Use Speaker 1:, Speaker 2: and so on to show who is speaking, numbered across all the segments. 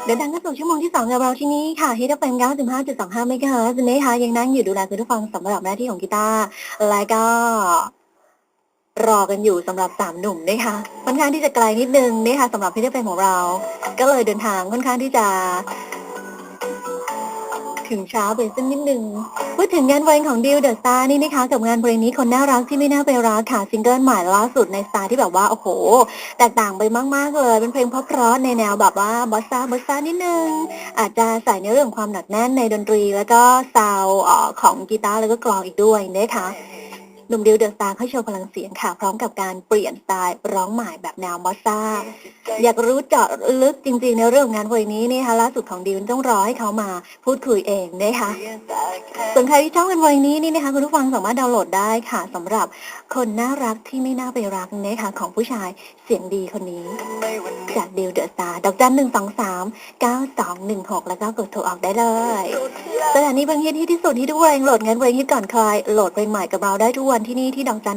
Speaker 1: ดินทางเข้าสู่ชั่วโมงที่2กับเราที่นี่ค่ะ Hit FM 95.25 เมกะเฮิรตซ์นะคะยังนั่งอยู่ดูแลคุณผู้ฟังสำหรับหน้าที่ของกีตาร์และก็รอกันอยู่สำหรับ3หนุ่มนะคะค่อนข้างที่จะไกลนิดนึงนะคะสำหรับ Hit FM ของเราก็เลยเดินทางค่อนข้างที่จะถึงเช้าไปสักนิดนึงพูดถึงงานเพลงของดิวเดอะสตาร์นี่นะคะกับงานเพลงนี้คนน่ารักที่ไม่น่าไปรักค่ะซิงเกิลใหม่ล่าสุดในสไตล์ที่แบบว่าโอ้โหแตกต่างไปมากๆเลยเป็นเพลงเพราะๆในแนวแบบว่าบอสซ่านิดนึงอาจจะใส่ในเรื่องของความหนักแน่นในดนตรีแล้วก็ซาวด์ของกีตาร์แล้วก็กลองอีกด้วยนะคะหนุ่มดิวเดอะสตาร์เขาโชว์พลังเสียงค่ะพร้อมกับการเปลี่ยนสไตล์ร้องใหม่แบบแนวบอสซ่าอยากรู้เจาะลึกจริงๆในเรื่องงานเพลงนี้นะคะล่าสุดของดิวต้องรอให้เขามาพูดคุยเองนะคะส่วนใครที่ชอบงานเพลงนี้นี่นะคะคุณผู้ฟังสามารถดาวน์โหลดได้ค่ะสำหรับคนน่ารักที่ไม่น่าไปรักนะคะของผู้ชายเสียงดีคนนี้จากดิวเดอะสตาร์ดอกจัน123 9216แล้วก็กดโทรออกได้เลยสถานีเพลงฮิตที่สุดที่ทุกเพลงโหลดงานเพลงฮิตก่อนใครโหลดเพลงใหม่กับเราได้ทุกวันที่นี่ที่ดอกจัน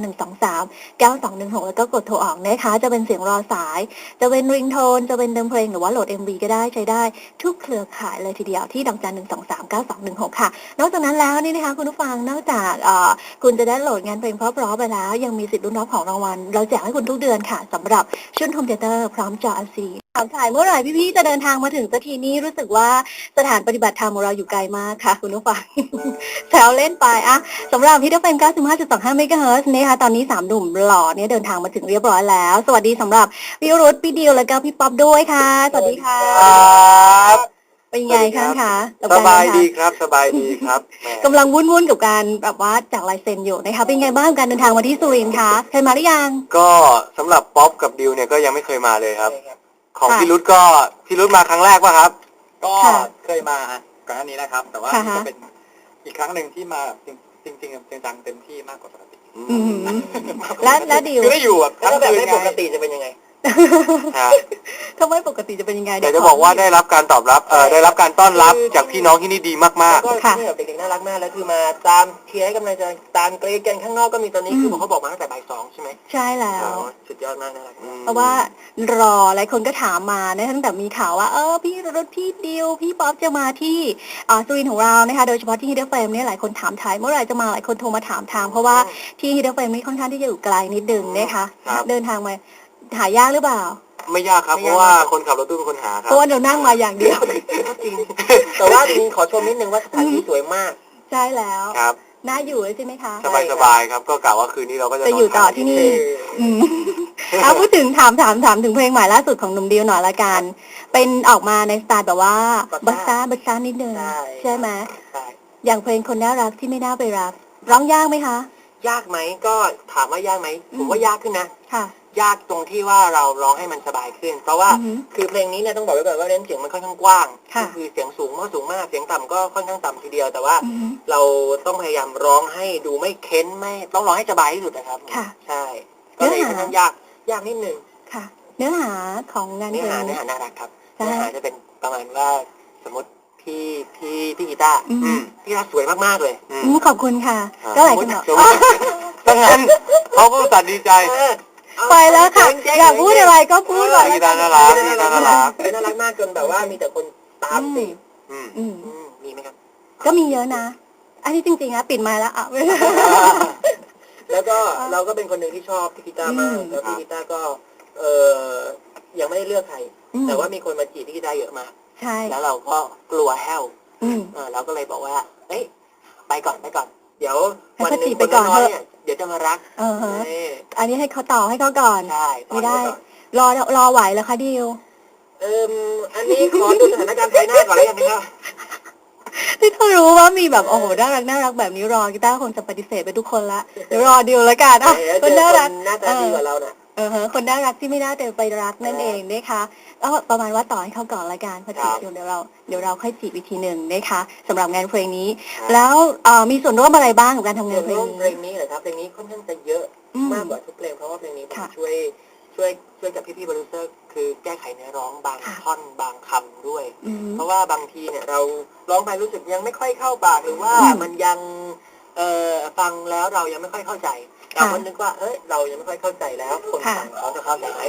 Speaker 1: 123 9216แล้วก็กดโทรออกนะคะจะเป็นเสียงรอสายจะเป็นริงโทนจะเป็นเดิมเพลงหรือว่าโหลด MV ก็ได้ใช้ได้ทุกเครือข่ายเลยทีเดียวที่ดอกจัน123 9216ค่ะนอกจากนั้นแล้วนี่นะคะคุณผู้ฟังนอกจากคุณจะได้โหลดงานเพลงเพราะๆไปแล้วยังมีสิทธิ์ลุ้นรับของรางวัลเราแจกให้คุณทุกเดือนค่ะสำหรับชุดโฮมเธียเตอร์พร้อมจอ LCD ถามถ่ายเมื่อไหร่พี่ๆจะเดินทางมาถึงสักทีนี้รู้สึกว่าสถานปฏิบัติธรรมของเราอยู่ไกลมากค่ะคุณผู้ฟัง แซวเล่นไปอะสำหรับฮิต FM 95.25 เมกะเฮิรตซ์นะคะตอนนี้3หนุ่มหล่อเนี่ยเดินทางมาถึงเรียบร้อยแล้วสวัสดีสำหรับพี่รุธพี่ดิวแล้วก็พี่ป๊อปด้วยค่ะสวัสดีค่ะเป็นไงคะ
Speaker 2: สบายดีครับสบายดีครับ
Speaker 1: กำลังวุ่นกับการแบบว่าจากลายเซ็นอยู่นะคะเป็นไงบ้างการเดินทางมาที่สุรินทร์คะเคยมาหรือยัง
Speaker 2: ก็สำหรับป๊อปกับดิวเนี่ยก็ยังไม่เคยมาเลยครับของพี่รุธมาครั้งแรกป่ะครับก็เคยมาก่อนหน้านี้นะครับแต่ว่านี่ก็เป็นอีกครั้งหนึ่งที่มาจริงจังเต็มที่มากกว่าปกติ
Speaker 1: และดิว
Speaker 2: คือได้อยู่แบบทั้งคืนไง
Speaker 3: ปกติจะเป็นยังไง
Speaker 1: ถ้าไม่ปกติจะเป็นยังไง
Speaker 2: เดี๋ยวจะบอกว่าได้รับการตอบรับได้รับการต้อนรับจากพี่น้องที่นี่ดีมาก
Speaker 3: ๆก็คือแบบเด็กๆน่ารักมากแล้วคือมาตามเชียร์ให้กำลังใจตามเกรดกันข้างนอกก็มีตอนนี้คือเขาบอกมาตั้งแต่บ่าย2ใช่ไหม
Speaker 1: ใช่แล้ว
Speaker 3: สุดยอดมากน่ารัก
Speaker 1: เพราะว่ารอหลายคนก็ถามมานะตั้งแต่มีข่าวว่าพี่รุธพี่ดิวพี่ป๊อปจะมาที่สุรินทร์ของเรานะคะโดยเฉพาะที่ฮิตเฟมเนี่ยหลายคนถามถ่ายเมื่อไหร่จะมาหลายคนโทรมาถามทางเพราะว่าที่ฮิตเฟมนี่ค่อนข้างที่จะอยู่ไกลนิดนึงนะคะเดินทางมาหายากหรือเปล่า
Speaker 2: ไม่ยากครับเพราะว่าคนขับรถตู้เป็นคนหาครับ
Speaker 1: เพราะว่าเรานั่งมาอย่างเดียว
Speaker 3: จริงแต่ว่าจริงขอชมนิดนึงว่าสถานที่สวยมาก
Speaker 1: ใช่แล้ว
Speaker 2: ครับ
Speaker 1: น่าอยู่เลยใช่ไหมคะ
Speaker 2: สบายครับก็กะว่าคืนนี้เราก็จะ
Speaker 1: อยู่ต่อที่นี่พูดถึงถามถึงเพลงใหม่ล่าสุดของหนุ่มดิวหน่อยละกันเป็นออกมาในสไตล์แบบว่าบัสซ่านิดนึงใช่ไหมอย่างเพลงคนน่ารักที่ไม่น่าไปรักร้องยากไหมคะ
Speaker 3: ยากไหมก็ถามว่ายากไหมผมว่ายากขึ้นนะ
Speaker 1: ค่ะ
Speaker 3: ยากตรงที่ว่าเราร้องให้มันสบายขึ้นเพราะว่าคือเพลงนี้เนี่ยต้องบอกไว้ก่อนว่าเล่นเสียงมันค่อนข้างกว้างคือเสียงสูงมากเสียงต่ำก็ค่อนข้างต่ำทีเดียวแต่ว่าเราต้องพยายามร้องให้ดูไม่เค้นไม่ต้องร้องให้สบายที่สุดนะครับใช่ก็เลยค่อนข้างยากนิดนึง
Speaker 1: ค่ะเนื้อหาของงานเพลง
Speaker 3: เนื้อหาน่ารักครับเนื้อหาจะเป็นประมาณว่าสมมติพี่กีตาร์สวยมากๆเลย
Speaker 1: ขอบคุณค่ะก็หลายคนบอก
Speaker 2: ดังนั้นเขาก็ตัดดีใจ
Speaker 1: ไปแล้วค่ะอยากพูดอะไรก็พูดเลย
Speaker 2: น่ารั
Speaker 3: กมากจนแบบว่ามีแต่คนตามสิมีไหมครับ
Speaker 1: ก็มีเยอะนะอันนี้จริงๆนะปิดไมค์แล้ว
Speaker 3: แล้วก็เราก็เป็นคนหนึ่งที่ชอบพี่กีตาร์มากแล้วพี่กีตาร์ก็ยังไม่ได้เลือกใครแต่ว่ามีคนมาจีบพี่กีตาร์เยอะมาก
Speaker 1: ใช่
Speaker 3: แล้วเราก็กลัวแห้วเราก็เลยบอกว่าเอ้ยไปก่อนเดี๋ยววันนึงคนน้อยเนี่ยเดี๋ยวจะมารัก
Speaker 1: อันนี้ให้เขาต่อให้เขาก่อนไม่ได้รอไหวแล้วคะดิว
Speaker 3: อันนี้ขอดูสถานการณ์ภายหน้าก่อนแล้วกันนะครับ
Speaker 1: ที่เขารู้ว่ามีแบบโอ้โหน่ารักแบบนี้รอกีตาร์คงจะปฏิเสธไปทุกคนละเดี๋ยวรอดิวแล้วกัน
Speaker 3: คนน่ารักหน้าตาดีกว่าเราน่ะ
Speaker 1: คนน่ารักที่ไม่น่าไปรักนั่นเองนะคะก็ประมาณว่าต่อให้เขาก่อนละกันพอจีบเดี๋ยวเราค่อยจีบอีกทีหนึ่งนะคะสำหรับงานเพลงนี้แล้วมีส่วนร่วมอะไรบ้างกับการทำงานเพลง
Speaker 3: นี้เหรอครับเพลงนี้ค่อนข้างจะเยอะมากกว่าทุกเพลงเพราะว่าเพลงนี้ผมช่วยกับพี่โปรดิวเซอร์คือแก้ไขเนื้อร้องบางท่อนบางคำด้วยเพราะว่าบางทีเนี่ยเราร้องไปรู้สึกยังไม่ค่อยเข้าปากหรือว่ามันยังฟังแล้วเรายังไม่ค่อยเข้าใจเราก็นึกว่าเรายังไม่ค่อยเข้าใจแล้วคนฟังเขาจะเข้าใจไหม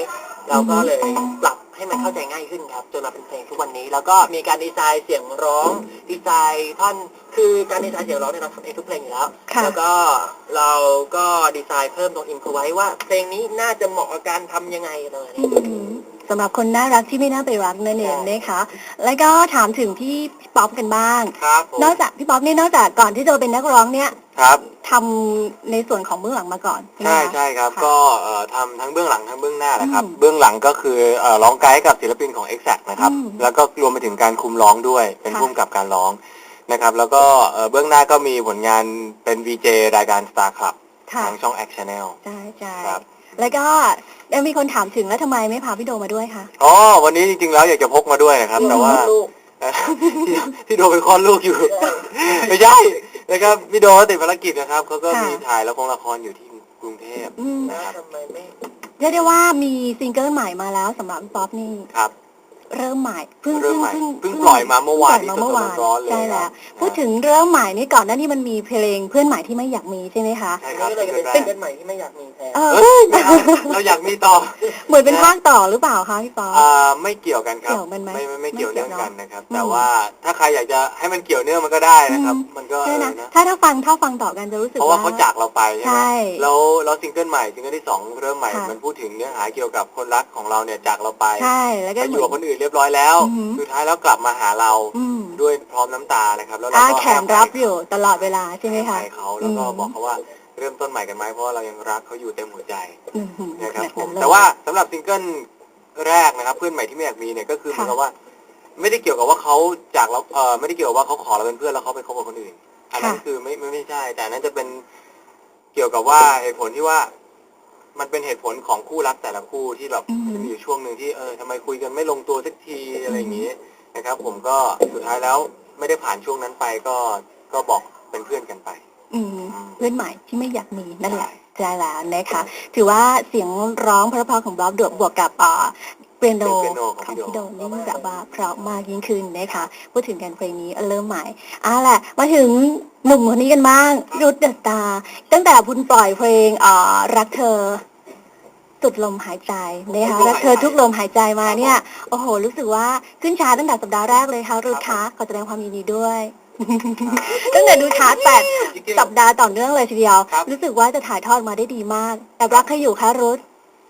Speaker 3: เราก็เลยปรับให้มันเข้าใจง่ายขึ้นครับจนมาเป็นเพลงทุกวันนี้แล้วก็มีการดีไซน์เสียงร้องดีไซน์ท่อนคือการดีไซน์เสียงร้องเนี่ยเราทำเองทุกเพลงอยู่แล้วแล้วก็เราก็ดีไซน์เพิ่มตรงอินพไว้ว่าเพลงนี้น่าจะเหมาะกับการทำยังไงเลย
Speaker 1: สำหรับคนน่ารักที่ไม่น่าไปรักนั่นเองนะคะแล้วก็ถามถึงพี่ป๊อปกันบ้างนอกจากพี่ป๊อปนี่นอกจากก่อนที่จะเป็นนักร้องเนี่ย
Speaker 2: ครับ
Speaker 1: ทำในส่วนของเบื้องหลังมาก่อน
Speaker 2: ใช่ใช่ครับก็ทำทั้งเบื้องหลังทั้งเบื้องหน้านะครับเบื้องหลังก็คือร้องไกด์กับศิลปินของ Exact นะครับแล้วก็รวมไปถึงการคุมร้องด้วยเป็นผู้กำกับการร้องนะครับแล้วก็เบื้องหน้าก็มีผลงานเป็น VJ รายการ Star Club ทางช่อง X Channel
Speaker 1: ใช่ใช่แล้วก็มีคนถามถึงแล้วทำไมไม่พาพี่โดมาด้วยคะ
Speaker 2: อ๋อวันนี้จริงๆแล้วอยากจะพกมาด้วยนะครับแต่ว่าพี่โดเป็นคลอดลูกอยู่ไม่ใช่นะครับพี่โดติดภารกิจนะครับเขาก็มีถ่ายละครอยู่ที่กรุงเทพนะครับ
Speaker 3: ทำไมไม่
Speaker 1: เรียกได้ว่ามีซิงเกิลใหม่มาแล้วสำหรับป๊อปนี่
Speaker 2: ครับ
Speaker 1: เริ่มใหม่เพิ่ง
Speaker 2: ปล่อยมาเมื่อวานนี้ร้อนๆเลย
Speaker 1: ใช่แล้วพูดถึงเริ่มใหม่นี่ก่อนหน้านี้มันมีเพลงเพื่อนใหม่ที่ไม่อยากมีใช่ไหมคะ
Speaker 2: ใช่ครับ
Speaker 3: ก็เลยเป็นเพื่อนใหม่ที่ไม่อยากมีแทน
Speaker 2: เราอยากมีต่อ
Speaker 1: เหมือนเป็นภาคต่อหรือเปล่าคะพี่ป๊อป
Speaker 2: ไม่เกี่ยวกันครับไม่เกี่ยวเนื่องกันนะครับแต่ว่าถ้าใครอยากจะให้มันเกี่ยวเนื่องมันก็ได้นะครับมันก็
Speaker 1: นะถ้าฟังต่อกันจะรู้สึก
Speaker 2: เพราะว่าเขาจากเราไปใช่ไหม
Speaker 1: แล้ว
Speaker 2: ซิงเกิลใหม่ซิงเกิลที่2เริ่มใหม่มันพูดถึงเนื้อหาเกี่ยวกับคนรักของเราเนี่ยจากเราไป
Speaker 1: ใช่แล้วก็
Speaker 2: อยู่กับคนอื่นเรียบร้อยแล้วสุดท้ายแล้วกลับมาหาเราด้วยพร้อมน้ำตานะครับแล้วเราก็
Speaker 1: แขนรับอยู่ตลอดเวลาใช่ไหมคะ
Speaker 2: ให้เขาแล้วก็บอกเขาว่าเริ่มต้นใหม่กันไหมเพราะว่าเรายังรักเขาอยู่เต็มหัวใจนะครับผมแต่ว่าสำหรับซิงเกิลแรกนะครับเพื่อนใหม่ที่ไม่อยากมีเนี่ยก็คือเหมือนกับว่าไม่ได้เกี่ยวกับว่าเขาจากเราไม่ได้เกี่ยวกับว่าเขาขอเราเป็นเพื่อนแล้วเขาไปคบกับคนอื่นอันนั้นคือไม่ใช่แต่นั้นจะเป็นเกี่ยวกับว่าเหตุผลที่ว่ามันเป็นเหตุผลของคู่รักแต่ละคู่ที่แบบมีอยู่ช่วงหนึ่งที่ทำไมคุยกันไม่ลงตัวสักทีอะไรอย่างนี้นะครับผมก็สุดท้ายแล้วไม่ได้ผ่านช่วงนั้นไปก็บอกเป็นเพื่อนกันไป
Speaker 1: เพื่อนใหม่ที่ไม่อยากมีนั่นแหละใช่แล้วนะคะถือว่าเสียงร้องเพราะๆของบ๊อบบวกกับเปียโนของพี่โดนี่แบบว่าเพราะมากยิ่งขึ้นนะคะพูดถึงกันเพลงนี้เริ่มใหม่แหละมาถึงหนุ่มคนนี้กันบ้างรุทเดอะสตาร์ตั้งแต่คุณปล่อยเพลงรักเธอสุดลมหายใจนะคะรักเธอทุกลมหายใจมาเนี่ยโอ้โหรู้สึกว่าขึ้นชาร์ตตั้งแต่สัปดาห์แรกเลยค่ะรุทคะขอแสดงความยินดีด้วยตั้งแต่ดูชาร์ต8 สัปดาห์ต่อเนื่องเลยทีเดียวรู้สึกว่าจะถ่ายทอดมาได้ดีมากแต่รักให้อยู่ค่ะรุท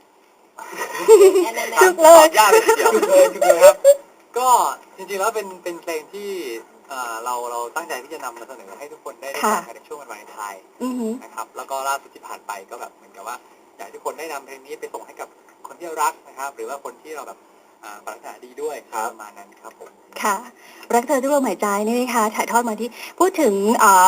Speaker 2: จุกเลยยากเลยทีเดียวจุกเลยครับก็จริงๆแล้วเป็นเพลงที่เราตั้งใจที่จะนำมาเสนอให้ทุกคนได้ฟังกันในช่วงวันวาเลนไทน์นะครับแล้วก็ล่าสุดที่ผ่านไปก็แบบเหมือนกับว่าอยากให้ทุกคนได้นำเพลงนี้ไปส่งให้กับคนที่รักนะครับหรือว่าคนที่เราแบบปรารถนาดีด้วยประมาณนั้นครับผม
Speaker 1: ค่ะรักเธอทุกลมหายใจนี่นะคะถ่ายทอดมาที่พูดถึง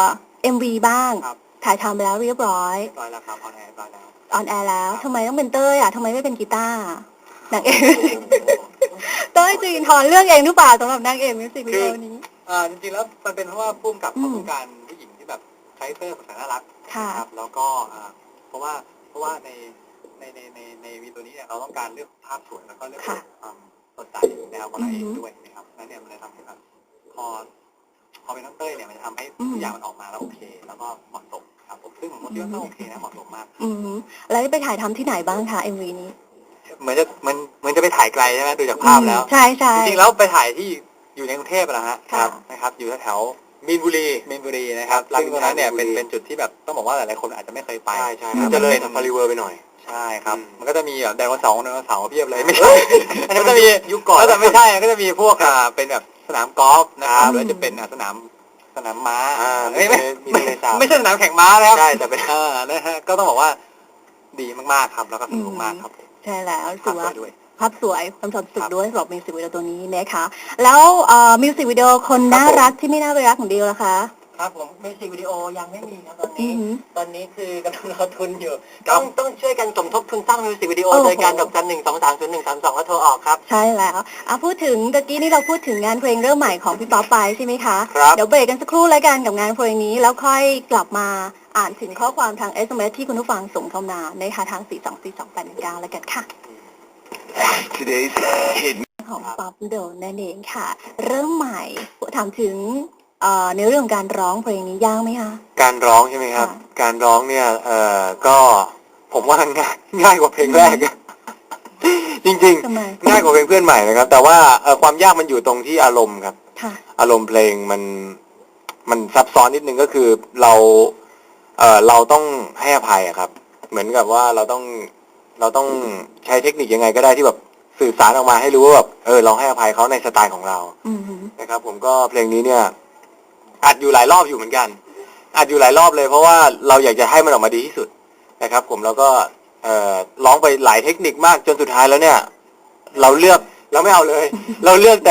Speaker 1: MV บ้างถ่ายทำไปแล้วเรียบร้อย
Speaker 2: แล้วครับออนแอร์แล้ว
Speaker 1: ออนแอร์แล้วทำไมต้องเป็นเต้ยทำไมไม่เป็นกีตาร์นางเอกเต้ยจีนทอนเรื่องเองหรือเปล่าสำหรับนางเอกมิวสิกวิดีโอนี้
Speaker 2: จริงๆแล้วมันเป็นเพราะว่าพุ่มกับเขาต้องการผู้หญิงที่แบบใช้เต้ยภาษาน่ารักครับแล้วก็เพราะว่าในวีตัวนี้เนี่ยเราต้องการเรื่องภาพสวยแล้วก็เรื่องความสดใสแนวของเราเองด้วยนะครับนั่นเนี่ยมันเลยทำให้แบบพอเป็นน้องเต้ยเนี่ยมันจะทำให้ทุกอย่างมันออกมาแล้วโอเคแล้วก็เหมาะสมครับผมซึ่งผมคิดว่าก็โอเคนะเหมาะสมมาก
Speaker 1: แล้วไปถ่ายทำที่ไหนบ้างคะ MV นี้
Speaker 2: เหมือนจะไปถ่ายไกลใช่ไหมดูจากภาพแล้ว
Speaker 1: ใช่ใช่
Speaker 2: จริงๆแล้วไปถ่ายที่อยู่ในกรุงเทพนะฮะนะครับอยู่แถวมีนบุรีนะครับซึ่งตรงนั้นเนี่ยเป็นจุดที่แบบต้องบอกว่าหลายๆคนอาจจะไม่เคยไปใช่จะเลยทำพาริเวอร์ไปหน่อยใช่ครับมันก็จะมีแบบไดโนเสาร์เพียบเลยไม่ใช่อันนี้ก็จะมียุคก่อนแล้วแต่ไม่ใช่ก็จะมีพวกเป็นแบบสนามกอล์ฟนะครับหรือจะเป็นสนามม้าไม่ใช่สนามแข่งม้านะครับใช่แต่เป็นนะฮะก็ต้องบอกว่าดีมากๆครับแล้วก็สนุกมากครับ
Speaker 1: ใช่แล้วถือว่าภาพสวยความสดสุดด้วยสำหรับมิวสิกวิดีโอตัวนี้นะคะแล้วมิวสิกวิดีโอคนน่ารักที่ไม่น่าไปรักของดิวล่ะคะ
Speaker 3: ครับผมมิวสิกวิดีโอยังไม่มีครับตอนนี้คือกำลังรอทุนอยู่ต้องช่วยกันสมทบทุนสร้างมิวสิกวิดีโอโดยการดอกจัน 1230132แล้วโทรออกครับ
Speaker 1: ใช่แล้วพูดถึงตะกี้นี่เราพูดถึงงานเพลงเริ่มใหม่ของพี่ป๊อปไปใช่ไหมคะเดี๋ยวเบรกกันสักครู่แล้วกันกับงานเพลงนี้แล้วค่อยกลับมาอ่านถึงข้อความทาง SMS ที่คุณผู้ฟังส่งเข้ามานะคะทาง4242819แล้วกันค่ะของป๊อปโดนนั่นเองค่ะเริ่มใหม่ถามถึงในเรื่องของการร้องเพลงนี้ยากไหมคะ
Speaker 2: การร้องใช่ไหมครับการร้องเนี่ยก็ผมว่าง่ายกว่าเพลงแรกจริง
Speaker 1: ทำไม
Speaker 2: ๆง่ายกว่าเพลงเพื่อนใหม่นะครับ แต่ว่าความยากมันอยู่ตรงที่อารมณ์ครับ
Speaker 1: ค่ะ
Speaker 2: อารมณ์เพลงมันซับซ้อนนิดนึงก็คือเราต้องให้อภัยอะครับ เหมือนกับว่าเราต้องใช้เทคนิคยังไงก็ได้ที่แบบสื่อสารออกมาให้รู้ว่าแบบเราให้อภัยเขาในสไตล์ของเรา
Speaker 1: อืม
Speaker 2: นะครับ ผมก็เพลงนี้เนี่ยอัดอยู่หลายรอบอยู่เหมือนกันอัดอยู่หลายรอบเลยเพราะว่าเราอยากจะให้มันออกมาดีที่สุดนะครับ ผมแล้วก็ร้องไปหลายเทคนิคมากจนสุดท้ายแล้วเนี่ย เราไม่เอาเลย เราเลือก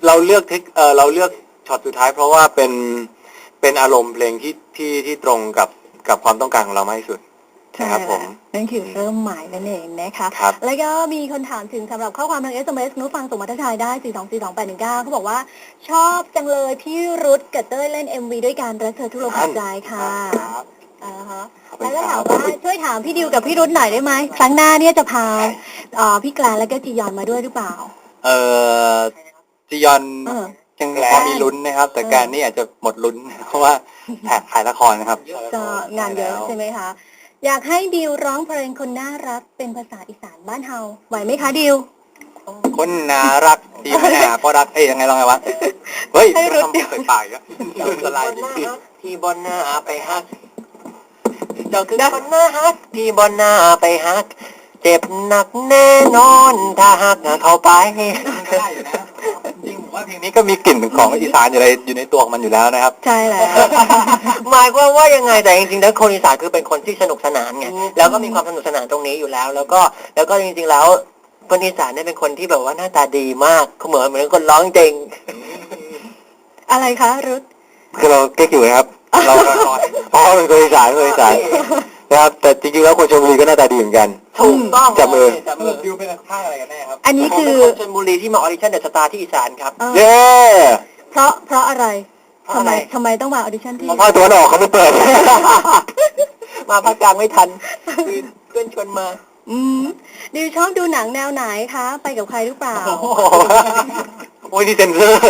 Speaker 2: ช็อตสุดท้ายเพราะว่าเป็นอารมณ์เพลงที่ตรงกับความต้องการของเรามากที่สุด
Speaker 1: ใช่
Speaker 2: นะครับผม
Speaker 1: นั่นคือเริ่มใหม่นั่นเองนะคะ
Speaker 2: ครับ
Speaker 1: แล้วก็มีคนถามถึงสำหรับข้อความทาง SMS นุฟังส่งมาทักทายได้ 4242819เขาบอกว่าชอบจังเลยพี่รุธกับเต้ยเล่น MV ด้วยกันรักเธอทุกลมหายใจค่ะฮะแล้วก็ถามว่าช่วยถามพี่ดิวกับพี่รุธหน่อยได้ไหมครั้งหน้าเนี่ยจะพาพี่แกลนแล้วก็จียอนมาด้วยหรือเปล่า
Speaker 2: จียอน
Speaker 1: เออ
Speaker 2: ยังพอมีลุ้นนะครับ แต่การนี่อาจจะหมดลุ้น เพราะว่าถ่ายละครนะครับ
Speaker 1: ก็งานเยอะใช่ไหมคะ อยากให้ดิวร้องเพลงคนน่ารักเป็นภาษาอีสานบ้านเฮาไหวไหมคะดิว
Speaker 2: คนน่ารักที่ไม่น่าก็รักยังไงลองไงวะเฮ้ย
Speaker 1: ให้รุด
Speaker 2: ทำใส่ปากอีกแล้วสไลด์
Speaker 3: ที่บนหน้าไปฮักเจ้าคือคนหน้าฮักที่บนหน้าไปฮักเจ็บหนักแน่นอนถ้าฮักเข้าไป
Speaker 2: ได้อยู่นะจริงผมว่าเพลงนี้ก็มีกลิ่นของอีสานอยู่ในตัวของมันอยู่แล้วนะครับ
Speaker 1: ใช่แล้ว
Speaker 3: หมายความว่ายังไงแต่จริงๆแล้วคนอีสานคือเป็นคนที่สนุกสนานไงแล้วก็มีความสนุกสนานตรงนี้อยู่แล้ว แล้วก็จริงๆแล้วคนอีสานเนี่ยเป็นคนที่แบบว่าหน้าตาดีมากเขาเหมือนคนร้องจริง
Speaker 1: อะไรคะรุธ
Speaker 2: คือเราเก๊กอยู่นะครับ เราอ๋อเป็นคนอีสานนะครับแต่จริงๆแล้วคนชลบุรีก็หน้าตาดีเหมือนกัน
Speaker 3: ถูกต้อง
Speaker 2: จับมือ
Speaker 3: ดิวเป็นข้างอะไรกันแน่ครับ
Speaker 1: อันนี้
Speaker 3: ผม
Speaker 1: คื
Speaker 3: เป็
Speaker 1: อ
Speaker 3: นคนชลบุรีที่มาออดิชั่นเดอะสตาร์ที่อีสานครับ
Speaker 2: เย้
Speaker 1: เพราะอะไร
Speaker 3: เพราะอะไร
Speaker 1: ทำไมต้องมาออดิชั่นที่
Speaker 2: ภาคตะวันออกเขาไม่เปิด
Speaker 3: มาภาคกลางไม่ทันคือเพื่อนชวนมา
Speaker 1: ดิวชอบดูหนังแนวไหนคะ ไปกับใครหรือเปล่า
Speaker 2: โอ้ยนี่เซนเซอร์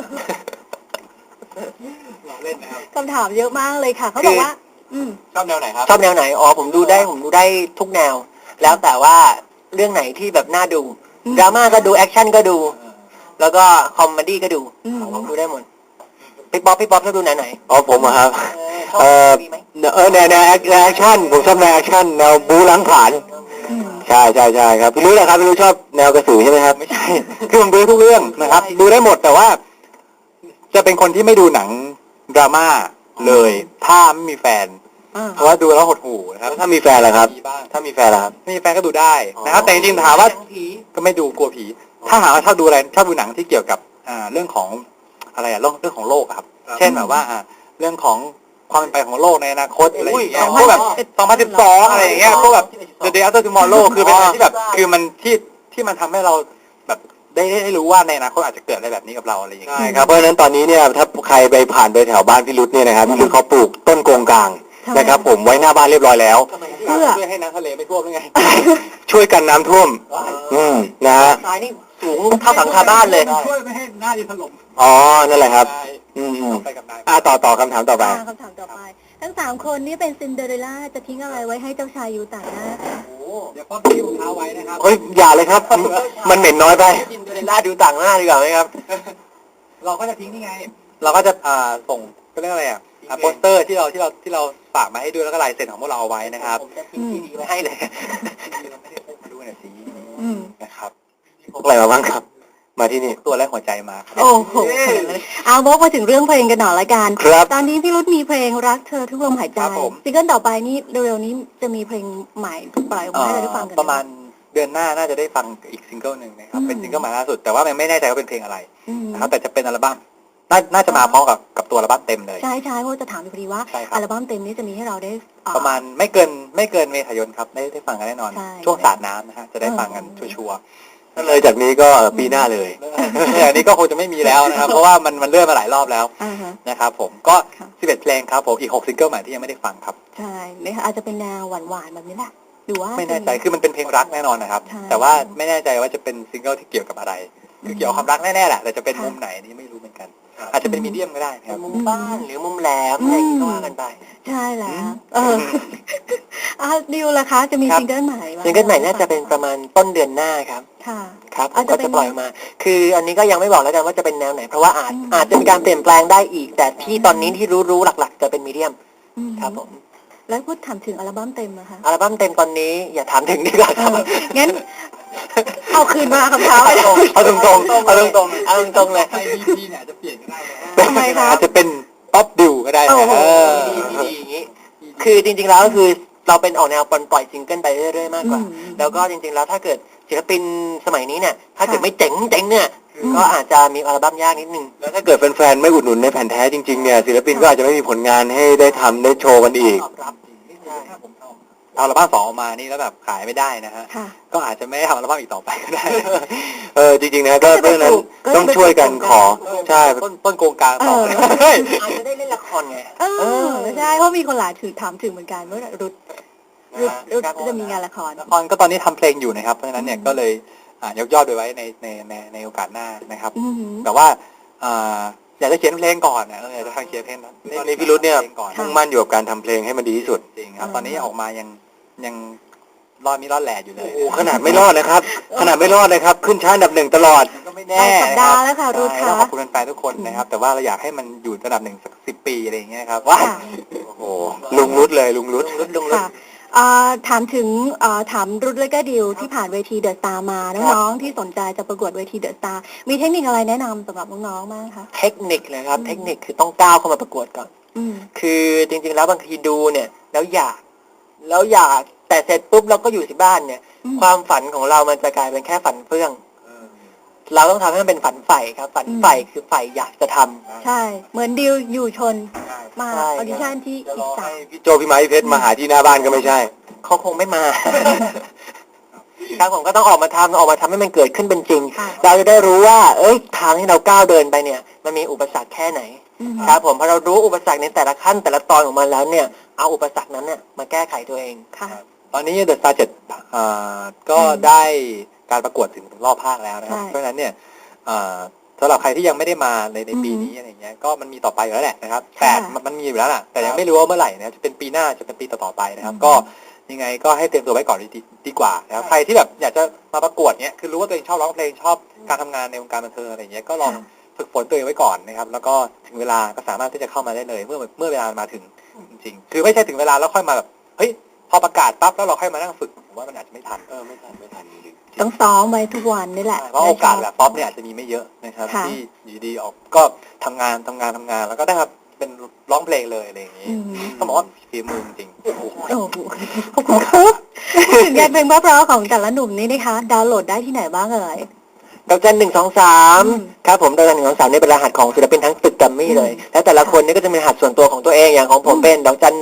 Speaker 2: เราเล่นนะครับ
Speaker 1: คำถามเยอะมากเลยค่ะเขาบอกว่า
Speaker 2: ชอบแนวไหนครับ
Speaker 3: ชอบแนวไหนอ๋อผมดูได้ทุกแนว แล้วแต่ว่าเรื่องไหนที่แบบน่าดูดราม่าก็ดูแอคชั่นก็ดู แล้วก็คอมเมดี้ก็ดู ผมดูได้หมดพี่ป๊อปชอบดูแนวไหน
Speaker 2: อ๋อผมอะครับ
Speaker 3: ชอบมีไหม
Speaker 2: แนวแอคชั่นผมชอบแนวแอคชั่นแนวบู๊ล้างผลาญใช่ครับพี่รู้แหละครับพี่รู้ชอบแนวกระสือใช่ไหมครับไม่ใช่คือผมดูทุกเรื่องนะครับ ดูได้หมดแต่ว่า จะเป็นคนที่ไม่ดูหนังดราม่าเลยถ้าไม่มีแฟน เพราะว่าดูแล้วหดหู่นะครับถ้ามีแฟนล่ะครับ ถ้ามีแฟนล่ะครับไม่มีแฟนก็ดูได้นะครับ แต่จริงๆถามว่าก็ไม่ดูกลัวผี ถ้าหากว่าชอบดูหนังที่เกี่ยวกับเรื่องของอะไรเรื่องของโลกอะครับ เช่นแบบว่าเรื่องของความเป็นไปของโลกในอนาคตอะไรอย่างเงี้ยพวกแบบ2012อะไรอย่างเงี้ยพวกแบบ The Day After Tomorrow คือเป็นอะไรที่แบบคือมันที่มันทำให้เราแบบได้รู้ว่าในอนาคตอาจจะเกิดอะไรแบบนี้กับเราอะไรอย่างเงี้ยใช่ครับเพราะฉะนั้นตอนนี้เนี่ยถ้าใครไปผ่านไปแถวบ้านพี่รุธเนี่ยนะครับพี่รุธเขาปลูกต้นโกงกลางนะครับผมไว้หน้าบ้านเรียบร้อยแล้ว
Speaker 1: เพื่อ
Speaker 2: ช่วยให้น้ำทะเลไม่ท่วมหรือไง ช่วยกันน้ำท่วมนะฮะ
Speaker 3: ทรายนี่สูงเท่าหลังคาบ้านเลย
Speaker 2: ช่วยไม่ให้หน้าดินถล่มอ๋อนั่นแหละครับต่อคำถามต่อไป
Speaker 1: คำถามต่อไป ทั้ง3คนนี่เป็นซินเดอเรลล่าจะทิ้งอะไรไว้ให้เจ้าชายอยู่ต่างหน้าคะ
Speaker 2: เดี๋ยวป้อมทิ้งรองเท้าไว้นะครับเฮ้ยอย่าเลยครับ มันเหม็นน้อยไป
Speaker 3: ซินเดอเรลล่าดูต่างหน้าดีกว่าไหมครับ
Speaker 2: เราก็จะทิ้งนี่ไง เราก็จะส่งก็เรียกอะไรโปสเตอร์ที่เราฝากมาให้ดูแล้วก็ลายเซ็นของพวกเราเอาไว้นะครับ
Speaker 3: ผมจะทิ้งซีดีไว้ให้เลย
Speaker 2: เราไม่ได้พกมาด้วยนะสินะครับพกอะไรมาบ้างครับ มาที่นี่ตัวแรกหัวใจมา
Speaker 1: โอ้โหเอาวกมาถึงเรื่องเพลงกันหน่อยละกัน
Speaker 2: ครับ
Speaker 1: ตอนนี้พี่รุธมีเพลงรักเธอทุกลมหายใจ
Speaker 2: ครับผม
Speaker 1: ซิงเกิลต่อไปนี่เร็วๆนี้จะมีเพลงใหม่ปล่อยออกมาให้เราได้ฟังกัน
Speaker 2: ประมาณเดือนหน้าน่าจะได้ฟังอีกซิงเกิลหนึ่งนะครับเป็นซิงเกิลใหม่ล่าสุดแต่ว่ามันไม่แน่ใจว่าเป็นเพลงอะไรนะครับแต่จะเป็นอัลบั้มน่าจะมาพร้อมกับตัวอัลบั้มเต็มเลย
Speaker 1: ใช่เพราะจะถามพอดีว่า
Speaker 2: ใช่ครับ
Speaker 1: อัลบั้มเต็มนี้จะมีให้เราได้
Speaker 2: ประมาณไม่เกินเมษายนครับได้ฟังกันแน่นอน
Speaker 1: ใช่
Speaker 2: ช่วงสาดน้ำนะฮะจะได้ฟังกันชัวร์ๆถ้าเลยจากนี้ก็ปีหน้าเลยอันนี้ก็คงจะไม่มีแล้วนะครับ เพราะว่ามันเลื่อนมาหลายรอบแล้ว
Speaker 1: อ่าฮะ
Speaker 2: นะครับผมก็
Speaker 1: ค่ะ
Speaker 2: 11เพลงครับผมอีก6ซิงเกิลใหม่ที่ยังไม่ได้ฟังครับ
Speaker 1: ใช่นะคะอาจจะเป็นแนวหวานๆแบบนี้แหละหรือว่า
Speaker 2: ไม่แน่ใจคือมันเป็นเพลงรักแน่นอนนะครับ
Speaker 1: ใช่
Speaker 2: แต่ว่าไม่แน่ใจว่าจะเป็นซิงเกิลที่เกี่ยวกับอะไรคือเกี่ยวกับความรักแน่ๆแหละแต่จะเป็นมุมไหนนี่ไม่รู้เหมือนกัน อาจจะเป็นมีเดียมก็ได้นะครับ
Speaker 3: มุมบ้านหรือมุมแหลมอะไรอย่างงี้ก็ว่ากันไป
Speaker 1: ใช่แล้วดิวล่ะคะจะมีซิงเกิลใหม่ไหม
Speaker 3: ซิงเกิลใหม่น่าจะเป็นประมาณต้นเดือนหน้าครับ
Speaker 1: ค่ะ
Speaker 3: ครับผมก็จะปล่อยมา คืออันนี้ก็ยังไม่บอกแล้วกันว่าจะเป็นแนวไหน เพราะว่าอาจจะมีการเปลี่ยนแปลงได้อีก แต่ที่ตอนนี้ที่รู้หลักๆ จะเป็นมีเดียมครับผม
Speaker 1: แล้วพูดถามถึงอัลบั้มเต็มนะคะ
Speaker 3: อัลบั้มเต็มตอนนี้อย่าถามถึงดีกว่าครับ
Speaker 1: งั้นเอาคืนมาคำถามไป
Speaker 3: เอาตรงๆเอาตรงๆเลย
Speaker 2: ไปบีเนี่ยจะเปลี่ยนก็ได้นะ
Speaker 1: ทำไมคะ
Speaker 2: อาจจะเป็นป๊อปดิวก็ได้นะ
Speaker 3: ดีอย่างนี้ คือจริงๆแล้วก็คือเราเป็นออกแนวปล่อยซิงเกิลไปเรื่อยๆมากกว่า แล้วก็จริงๆแล้วถ้าเกิดศิลปินสมัยนี้เนี่ย ถ้าเกิดไม่เจ๋งเนี่ยก็อาจจะมีอัลบั้มยากนิดนึง
Speaker 2: แล้วถ้าเกิดแฟนๆไม่อุดหนุนในแผ่นแท้จริงๆเนี่ยศิลปินก็อาจจะไม่มีผลงานให้ได้ทำได้โชว์กันอีก
Speaker 3: ตอบรับใช่
Speaker 2: เอาอัลบั้ม2ออกมานี่แล้วแบบขายไม่ได้นะฮะ
Speaker 1: ค่ะ
Speaker 2: ก็อาจจะไม่ได้ทำอัลบั้มอีกต่อไปก็ได้ จริงๆนะก็เพราะฉะนั้นต้องช่วยกันขอใช่ต้นโกงกลางต่อเลย
Speaker 3: อาจจะได้เล่นละครไง
Speaker 1: ใช่เพราะมีคนหลายถามถึงเหมือนกันว่ารุดจะมีงานละคร
Speaker 2: ละครก็ตอนนี้ทำเพลงอยู่นะครับเพราะฉะนั้นเนี่ยก็เลยยกยอดไปไว้ในโอกาสหน้านะครับ แต่ว่าอยากจะเขียนเพลงก่อนนะอยากจะทำเขียนเพลงตอนนี้พี่รุธเนี่ยมุ่งมั่นอยู่กับการทำเพลงให้มันดีที่สุดจริงครับตอนนี้ออกมายังรอดแหล่อยู่เลยโอ้ขนาดไม่รอดเลยครับ ขนาดไม่รอดเลยครับ ขึ้นชั้นอันดับ 1ตลอดก็ไม่แน่
Speaker 1: สัปดาห์แล้วค่ะรุธค่ะ
Speaker 2: ขอบคุณแฟนๆทุกคนนะครับ แต่ว่าเราอยากให้มันอยู่อันดับ 1สัก10 ปีอะไรอย่างเงี้ยครับว้าโอ้โหลุงรุธเลยลุงรุธ
Speaker 1: ค่ะถามถึงถามรุธและก็ดิวที่ผ่านเวทีเดอะสตาร์มาน้องๆที่สนใจจะประกวดเวทีเดอะสตาร์มีเทคนิคอะไรแนะนำสำหรับน้องๆบ้างคะ
Speaker 3: เทคนิคเลยครับ เทคนิคคือต้องก้าวเข้ามาประกวดก่อน คือจริงๆแล้วบางทีดูเนี่ยแล้วอยากแต่เสร็จปุ๊บเราก็อยู่ที่บ้านเนี่ย ความฝันของเรามันจะกลายเป็นแค่ฝันเฟื่อง เราต้องทำให้มันเป็นฝันใฝ่ครับ ฝันใฝ่คือใฝ่อยากจะทำ
Speaker 1: ใช่ เหมือนดิวอยู่ชนมาออดิชั่นที่อีสาน
Speaker 2: พี่โจพี่ไม้พี่เพชรมาหาที่หน้าบ้านก็ไม่ใช่
Speaker 3: เขาคงไม่มา ครับผมก็ต้องออกมาทำให้มันเกิดขึ้นเป็นจริง เราจะได้รู้ว่าทางที่เราก้าวเดินไปเนี่ย มันมีอุปสรรคแค่ไหน ครับผมพอเรารู้อุปสรรคในแต่ละขั้นแต่ละตอนของมันแล้วเนี่ยเอาอุปสรรคนั้นเนี่ยมาแก้ไขตัวเอง
Speaker 1: ค่ะ
Speaker 2: ตอนนี้เดอะสตาร์7ก็ได้การประกวดถึงรอบภาคแล้วนะครับเพราะฉะนั้นเนี่ยสำหรับใครที่ยังไม่ได้มาในปีนี้อะไรเงี้ยก็มันมีต่อไปอยู่แล้วแหละนะครับ8มันมีอยู่แล้วล่ะแต่ยังไม่รู้ว่าเมื่อไหร่นะจะเป็นปีหน้าจะเป็นปีต่อๆไปนะครับก็ยังไงก็ให้เตรียมตัวไว้ก่อนดีกว่านะครับใครที่แบบอยากจะมาประกวดเนี่ยคือรู้ว่าตัวเองชอบร้องเพลงชอบการทำงานในวงการบันเทิงอะไรเงี้ยก็ลองฝึกฝนตัวเองไว้ก่อนนะครับแล้วก็ถึงเวลาก็สามารถที่จะเข้ามาได้เลยเมื่อเวลามาถึงจริงๆคือไม่ใช่ถึงเวลาแล้วค่อยมาแบบเฮ้ยพอประกาศปั๊บแล้วเราค่อยมานั่งฝึกผมว่ามันอาจจะไม่ทันไม่ทัน
Speaker 1: ต้องซ้อมไว้ทุกวันนี่แหละ
Speaker 2: เพราะโอกาสแบบป๊อปเนี่ยอาจจะมีไม่เยอะนะครับที่อยู่ดีออกก็ทำงานแล้วก็ได้ครับเป็นร้องเพลงเลยอะไรอย่างนี้ต้องบอกว่าฝีมือจริงโอ้โห
Speaker 1: ขอบคุณครับถึงงานเพลงเพราะๆของแต่ละหนุ่มนี่นะคะดาวน์โหลดได้ที่ไหนบ้างเอ่ย
Speaker 3: ดอกจัน123ครับผมดอกจัน123นี่เป็นรหัสของศิลปินทั้งตึกแกรมมี่เลยแล้วแต่ละคนนี่ก็จะมีรหัสส่วนตัวของตัวเองอย่างของผมเป็นดอกจัน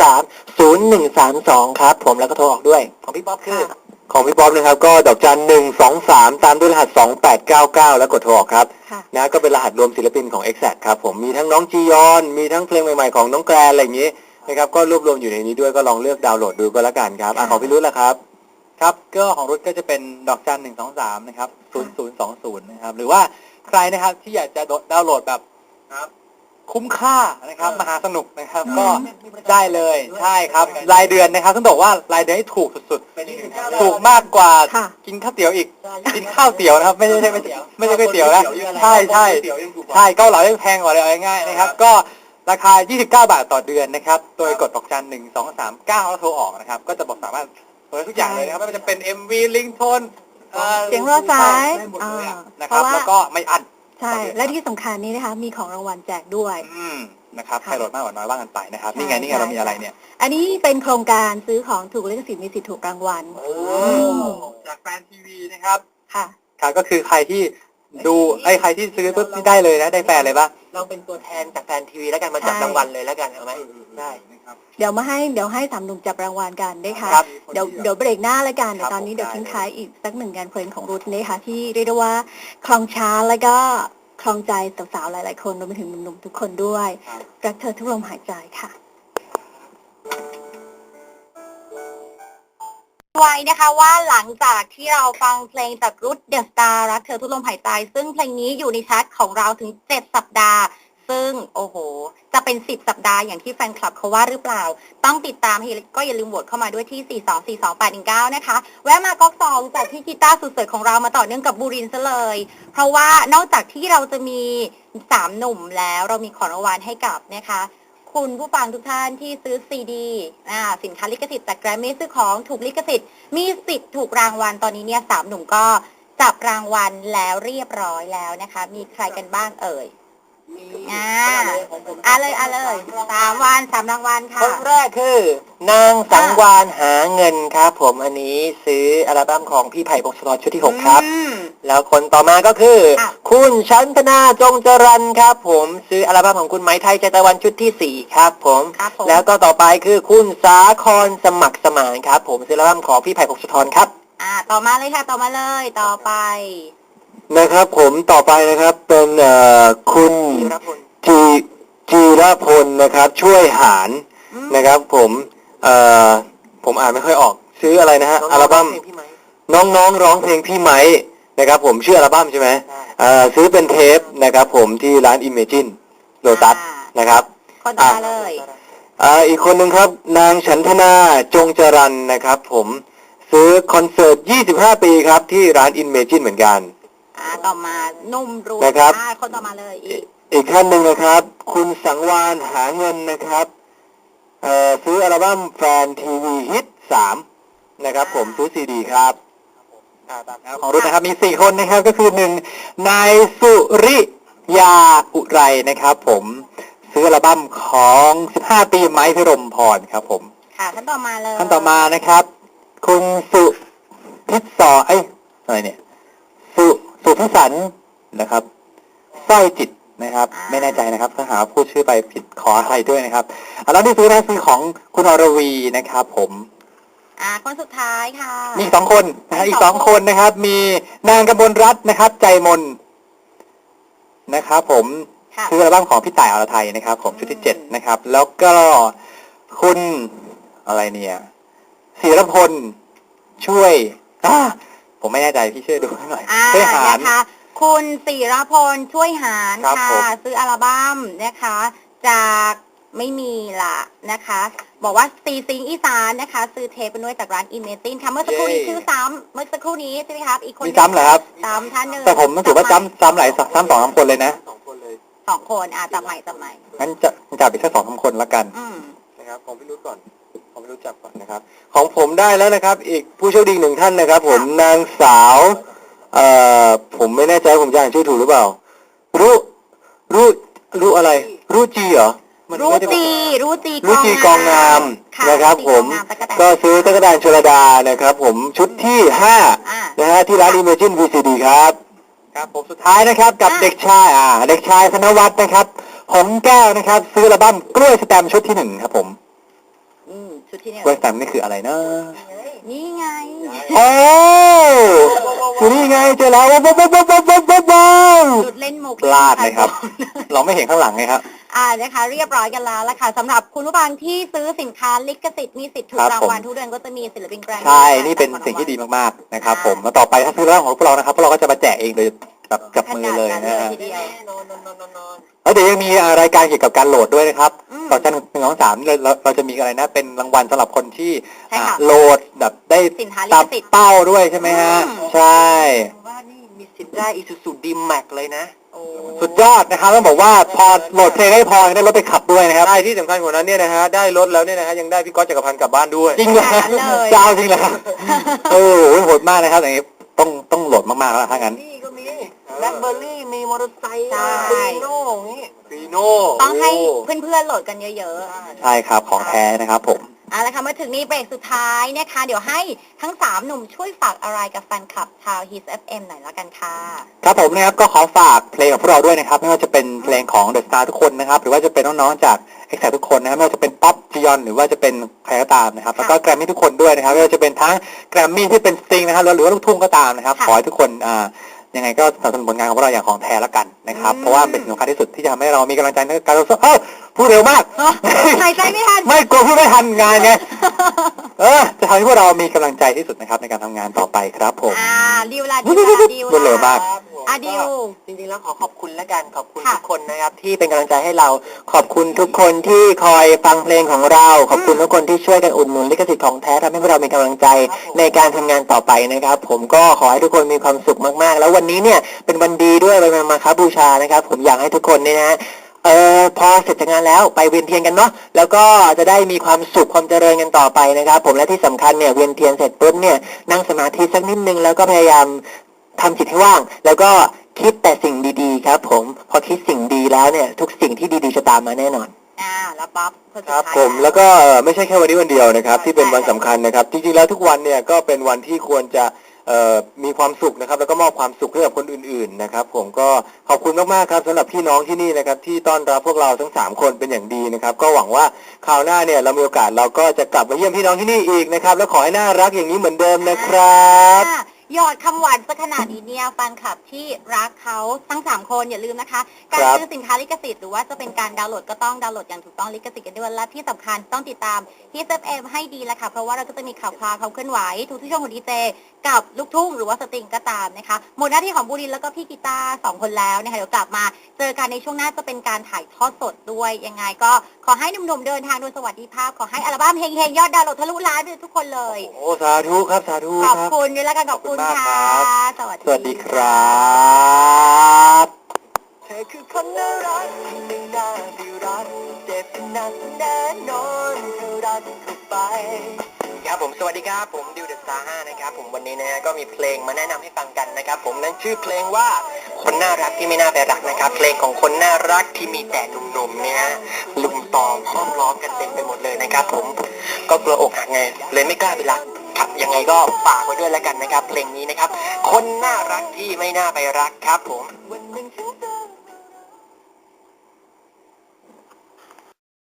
Speaker 3: 1230132ครับผมแล้วก็โทรออกด้วยของพี่ป๊อปคือ
Speaker 2: ของพี่ป๊อปนะครับก็ดอกจัน123ตามด้วยรหัส2899แล้วกดโทรออกครับนะก็เป็นรหัสรวมศิลปินของ Exact ครับผมมีทั้งน้องจียอนมีทั้งเพลงใหม่ๆของน้องแกรนอะไรอย่างนี้นะครับก็รวบรวมอยู่ในนี้ด้วยก็ลองเลือกดาวน์โหลดดูก็แล้วกันครับของพี่รุ่นล่ะครับครับก็ของรุ่นก็จะเป็นดอกจัน123นะครับ0020นะครับหรือว่าใครนะครับที่อยากจะดาวน์โหลดแบบคุ้มค่านะครับมหาสนุกนะครับก็ได้เลยใช่ครับรายเดือนนะครับต้องบอกว่ารายเดือนให้ถูกสุดๆถูกมากกว่ากินข้าวเตี๋ยวอีกกินข้าวเตี๋ยวนะครับไม่ใช่ก๋วยเตี๋ยวนะใช่เกาเหลายังแพงกว่าเลยเอาง่ายๆนะครับก็ราคา29 บาทต่อเดือนนะครับโดยกดดอกจัน123 9แล้วโทรออกนะครับก็จะบอกสามารถเปิดทุกอย่างเลยนะครับไม่ว่าจะเป็น MV ลิงโทน
Speaker 1: เสียงรอสาย
Speaker 2: นะครับแล้วก็ไม่อั้น
Speaker 1: ใช่และที่สำคัญนี้นะคะมีของรางวัลแจกด้วย
Speaker 2: นะครับใครโหลดมากกว่าน้อยว่ากันไปนะครับนี่ไงเรามีอะไรเนี่ย
Speaker 1: อันนี้เป็นโครงการซื้อของถูกลิขสิทธิ์มีสิทธิ์ถูกรางวัล
Speaker 2: จากแฟนทีวีนะครับ
Speaker 1: ค่ะ
Speaker 2: ก็คือใครที่ดูใครที่ซื้อปุ๊บนี่ได้เลยนะได้แฟนเลยป่ะ
Speaker 3: เราเป็นตัวแทนจากแฟนทีวีแล้วกันมาจับรางวัลเลยแล้วกันเอาไหมได้
Speaker 1: เดี๋ยวให้สามหนุ่มจับรางวัลกันนะคะเดี๋ยวเบรกหน้าแล้วกันเดี๋ยวตอนนี้เดี๋ยวทิ้งท้ายอีกสักหนึ่งงานเพลงของรุทนะคะที่เรียกได้ว่าคลองช้าแล้วก็คลองใจสาวๆหลายๆคนรวมไปถึงหนุ่มๆทุกคนด้วยรักเธอทุกลมหายใจค่ะไว้นะคะว่าหลังจากที่เราฟังเพลงจากรุทเดอะสตาร์รักเธอทุกลมหายใจซึ่งเพลงนี้อยู่ในชาร์ตของเราถึง7 สัปดาห์ซึ่งโอ้โหจะเป็น10 สัปดาห์อย่างที่แฟนคลับเขาว่าหรือเปล่าต้องติดตามก็อย่าลืมโหวตเข้ามาด้วยที่4242819นะคะแวะมาก๊อก2จากพี่กีตาร์สุดสวยของเรามาต่อเนื่องกับบูรินทร์ซะเลยเพราะว่านอกจากที่เราจะมี3 หนุ่มแล้วเรามีของรางวัลให้กับนะคะคุณผู้ฟังทุกท่านที่ซื้อซีดีสินค้าลิขสิทธิ์จากแกรมมี่ซื้อของถูกลิขสิทธิ์มีสิทธิ์ถูกรางวัลตอนนี้เนี่ย3 หนุ่มก็จับรางวัลแล้วเรียบร้อยแล้วนะคะมีใครกันบ้างเอ่ยเลย3 รางวัลค่ะ
Speaker 3: คนแรกคือนางสังวานหาเงินครับผมอันนี้ซื้ออัลบั้มของพี่ไผ่พงศธรชุดที่6ครับแล้วคนต่อมาก็คือคุณชันธนาจงจรัญครับผมซื้ออัลบั้มของคุณไหมไทยใจตะวันชุดที่4ครับผมแล้วก็ต่อไปคือคุณสาครสมัครสมานครับผมซื้ออัลบั้มของพี่ไผ่พงศธรครับ
Speaker 1: ต่อมาเลยค่ะต่อมาเลยต่อไป
Speaker 2: นะครับผมต่อไปนะครับเป็นคุณจีรพลนะครับช่วยหารนะครับผมอ่านไม่ค่อยออกซื้ออะไรนะฮะอัลบั้มน้องร้องเพลงพี่ไม้นะครับผมชื่ออัลบั้มใช่ไหมซื้อเป็นเทปนะครับผมที่ร้าน Imagine โลตัสนะครับ
Speaker 1: คนต่อมาเลย
Speaker 2: อีกคนหนึ่งครับนางฉันทนาจงจรัญนะครับผมซื้อคอนเสิร์ต25 ปีครับที่ร้าน Imagine เหมือนกัน
Speaker 1: ต่อมานุ่มรู้
Speaker 2: นะครับ
Speaker 1: คนต่อมาเลย
Speaker 2: อีกท่านหนึ่งนะครับคุณสังวานหาเงินนะครับซื้ออัลบั้มแฟนทีวีฮิต3นะครับผมซื้อซีดีครับของรุ่นนะครับมี4 คนนะครับก็คือ1นายสุริยาอุไรนะครับผมซื้ออัลบั้มของ15 ปีไม้พิรมพรครับผม
Speaker 1: ค่ะท่านต่อมาเลย
Speaker 2: ท่านต่อมานะครับคุณสุพิศอะไรเนี่ยสุพิสันนะครับสร้อยจิตนะครับไม่แน่ใจนะครับถ้าหาพูดชื่อไปผิดขออภัยด้วยนะครับแล้วที่ซื้อนะคือของคุณอรวีนะครับผม
Speaker 1: คนสุดท้ายค่ะ
Speaker 2: มีอีก2 คนนะฮะอีก2 คนนะครับมีนางกมลรัตน์นะครับใจมนนะครับผมซื้ออัลบั้มของพี่ต่ายอรไทยนะครับผมชุดที่7นะครับแล้วก็คุณอะไรเนี่ยศิรพลช่วยผมไม่แน่ใจพี่ช่วยดูให้หน่อยช่วยหาร
Speaker 1: นะคะคุณศิรพลช่วยหารค่ะซื้ออัลบั้มนะคะจากไม่มีล่ะนะคะบอกว่าซีซิงอีสานนะคะซื้อเทปไปด้วยจากร้านอิเมตินค่ะเมื่อสักครู่นี้ชื่อเมื่อสักครู่นี้ใช่ไหมครับอีกคน
Speaker 2: มีซ้ำเหรอครับ
Speaker 1: ท่านหนึ่ง
Speaker 2: แต่ผมรู้สึกว่าซ้ำหลายซ้ำ2 คนเลยนะ
Speaker 1: 2 คนจับใหม่
Speaker 2: งั้นจับอีกแค่2 คนละกันนะครับของพี่รุ่ก่อนผมรู้จักก่อนนะครับของผมได้แล้วนะครับอีกผู้โชคดี1 ท่านนะครับผมนางสาวผมไม่แน่ใจผมจะอ่านชื่อถูกหรือเปล่ารู้อะไรรู้จีเหรอ
Speaker 1: รู้จี
Speaker 2: กองงามนะครับผมก็ซื้อตุ๊กตาชลดานะครับผมชุดที่5นะฮะที่ร้าน Imagine VCD ครับผมสุดท้ายนะครับกับเด็กชายธนวัฒน์นะครับหงแก้วนะครับซื้ออัลบั้มกล้วยสแตมชุดที่1ครับผม
Speaker 1: ชุดที่
Speaker 2: กล้วยสแตมนี่คืออะไรนะ
Speaker 1: นี่ไง
Speaker 2: นี่ไงเจอแล้ว
Speaker 1: จุดเล่นมุก
Speaker 2: พลาดเลยครับเราไม่เห็นข้างหลังไงครับ
Speaker 1: นะคะเรียบร้อยกันแล้วละค่ะสำหรับคุณผู้ฟังที่ซื้อสินค้าลิขสิทธิ์มีสิทธิ์ถูกรางวัลทุกเดือนก็จะมีศิลปินแกรนด์
Speaker 2: ใช่นี่เป็นสิ่งที่ดีมากๆนะครับผมแล้วต่อไปถ้าซื้อเรื่องของพวกเรานะครับพวกเราก็จะมาแจกเองเลยกับมือเลยนะฮะแล้วเดี๋ยวยังมีรายการเกี่ยวกับการโหลดด้วยนะครับต่อจาก1 2 3เราจะมีอะไรนะเป็นรางวัลสำหรับคนที่โหลดแบบได้ตามเป้าด้วยใช่ไหมฮะใช่
Speaker 3: ว่านี่มีสิทธิ์ได้Isuzu D-Max เลยนะ
Speaker 2: สุดยอดนะครับต้องบอกว่าพอโหลดเพลงให้พอได้รถไปขับด้วยนะครับได้ที่สำคัญกว่านั้นเนี่ยนะฮะได้รถแล้วเนี่ยนะฮะยังได้พี่ก๊อตจักรพันธ์กลับบ้านด้วยจริงเหรอเจ้าจริงเหรอโอ้โหโหดมากนะครับอย่างนี้ต้องโหลดมากๆแล้วถ้างั้น
Speaker 3: นี่ก็มีแบล็คเบอร์รี่มีมอเตอร์ไซค์ฟีโน่
Speaker 1: ต้องให้เพื่อนๆโหลดกันเยอะ
Speaker 2: ๆใช่ครับของแท้นะครับผม
Speaker 1: ละค่ะมาถึงนี้เบรกสุดท้ายนะคะเดี๋ยวให้ทั้ง3 หนุ่มช่วยฝากอะไรกับแฟนคลับชาว Hits FM หน่อยละกันค่ะ
Speaker 2: ครับผมนะครับก็ขอฝากเพลงของพวกเราด้วยนะครับไม่ว่าจะเป็นเพลงของ The Star ทุกคนนะครับหรือว่าจะเป็นน้องๆจาก Exact ทุกคนนะครับไม่ว่าจะเป็นป๊อปจียอนหรือว่าจะเป็นใครก็ตามนะครับแล้วก็แกรมมี่ทุกคนด้วยนะครับไม่ว่าจะเป็นทั้งแกรมมี่ที่เป็นสตริงนะครับหรือว่าลูกทุ่งก็ตามนะครับขอให้ทุกคนยังไงก็สนับสนุนผลงานของพวกเราอย่างของแท้ละกันนะครับเพราะว่าเป็นสิ่งสำคัญที่สุดที่จะทำให้เรามีกำลังใจในการต่อสู้พูดเร็วมาก
Speaker 1: หายใจไม่ทัน
Speaker 2: ไม่กลัวพูดไม่ทันงานไง จะทำให้พวกเรามีกำลังใจที่สุดนะครับในการทำงานต่อไปครับผม
Speaker 1: ดิวล่ะดิวล่ะดิว
Speaker 2: รวดเร็วมาก
Speaker 1: ดิว
Speaker 3: จริงๆแล้วขอบคุณแล้วกันขอบคุณ
Speaker 1: ค่ะ
Speaker 3: ทุกคนนะครับที่เป็นกำลังใจให้เราขอบคุณทุกคนที่คอยฟังเพลงของเรา ขอบคุณทุกคนที่ช่วยกันอุดหนุนลิขสิทธิ์ของแท้ทำให้พวกเรามีกำลังใจในการทำงานต่อไปนะครับผมก็ขอให้ทุกคนมีความสุขมากๆแล้ววันนี้เนี่ยเป็นวันดีด้วยวันมาฆบูชานะครับผมอยากให้ทุกคนเนี่ยนะพอเสร็จจากงานแล้วไปเวียนเทียนกันเนาะแล้วก็จะได้มีความสุขความเจริญกันต่อไปนะครับผมและที่สำคัญเนี่ยเวียนเทียนเสร็จปุ๊บเนี่ยนั่งสมาธิสักนิดนึงแล้วก็พยายามทำจิตให้ว่างแล้วก็คิดแต่สิ่งดีๆครับผมพอคิดสิ่งดีแล้วเนี่ยทุกสิ่งที่ดีๆจะตามมาแน่นอน
Speaker 1: แล้วป๊อปคนสุด
Speaker 2: ครับ
Speaker 1: ท้าย
Speaker 2: ผมแล้วก็ไม่ใช่แค่วันนี้วันเดียวนะครับที่เป็นวันสำคัญนะครับจริงๆแล้วทุกวันเนี่ยก็เป็นวันที่ควรจะมีความสุขนะครับแล้วก็มอบความสุขให้กับคนอื่นๆนะครับผมก็ขอบคุณมากๆครับสำหรับพี่น้องที่นี่นะครับที่ต้อนรับพวกเราทั้ง3คนเป็นอย่างดีนะครับก็หวังว่าคราวหน้าเนี่ยเรามีโอกาสเราก็จะกลับมาเยี่ยมพี่น้องที่นี่อีกนะครับแล้วขอให้น่ารักอย่างนี้เหมือนเดิมนะครับ
Speaker 1: หยอดคำหวานสักขนาดนี้เนี่ยแฟนคลับที่รักเขาทั้ง3คนอย่าลืมนะคะการ
Speaker 2: ครับ
Speaker 1: ซื้อสินค้าลิขสิทธิ์หรือว่าจะเป็นการดาวน์โหลดก็ต้องดาวน์โหลดอย่างถูกต้องลิขสิทธิ์กันด้วยและที่สำคัญต้องติดตามที่ FM ให้ดีแหละค่ะเพราะว่าเราก็จะมีข่าวคราวเขาเคลื่อนไหวทุกช่วงของดีเจกับลูกทุ่งหรือว่าสตริงก็ตามนะคะหมดหน้าที่ของบูรินทร์แล้วก็พี่กีตาร์2คนแล้วนะคะเดี๋ยวกลับมาเจอกันในช่วงหน้าจะเป็นการถ่ายทอดสดด้วยยังไงก็ขอให้หนุ่มๆเดินทางโดยสวัสดิภาพขอให้อัลบั้มเฮงๆยอดดาวน์โหลดทะลุล้านไปทุกคนเลย
Speaker 2: โอ้สาธุครับสาธุ
Speaker 1: ข
Speaker 2: ค
Speaker 1: อบ
Speaker 2: รับ
Speaker 1: คุณด้วยแล้วกันขอบคุณ
Speaker 2: ขอบคุณ
Speaker 1: ค่ะ
Speaker 2: มากครับ
Speaker 1: สวัส
Speaker 2: สวัสดีครับ
Speaker 3: เธอคือคนน่ารักที่ไม่น่าได้รักเจ็บหนักแน่นอนเธอรักเข้าไปครับผมสวัสดีครับผมดิวเดอะสตาร์5นะครับผมวันนี้นะฮะก็มีเพลงมาแนะนำให้ฟังกันนะครับผมนั่นชื่อเพลงว่าคนน่ารักที่ไม่น่าไปรักนะครับเพลงของคนน่ารักที่มีแต่หนุ่มๆเนี่ยฮะลุมตอมห้อมล้อมกันเต็มไปหมดเลยนะครับผมก็กลัวอกหักไงเลยไม่กล้าไปรักครับยังไงก็ฝากไว้ด้วยแล้วกันนะครับเพลงนี้นะครับคนน่ารักที่ไม่น่าไปรักครับผม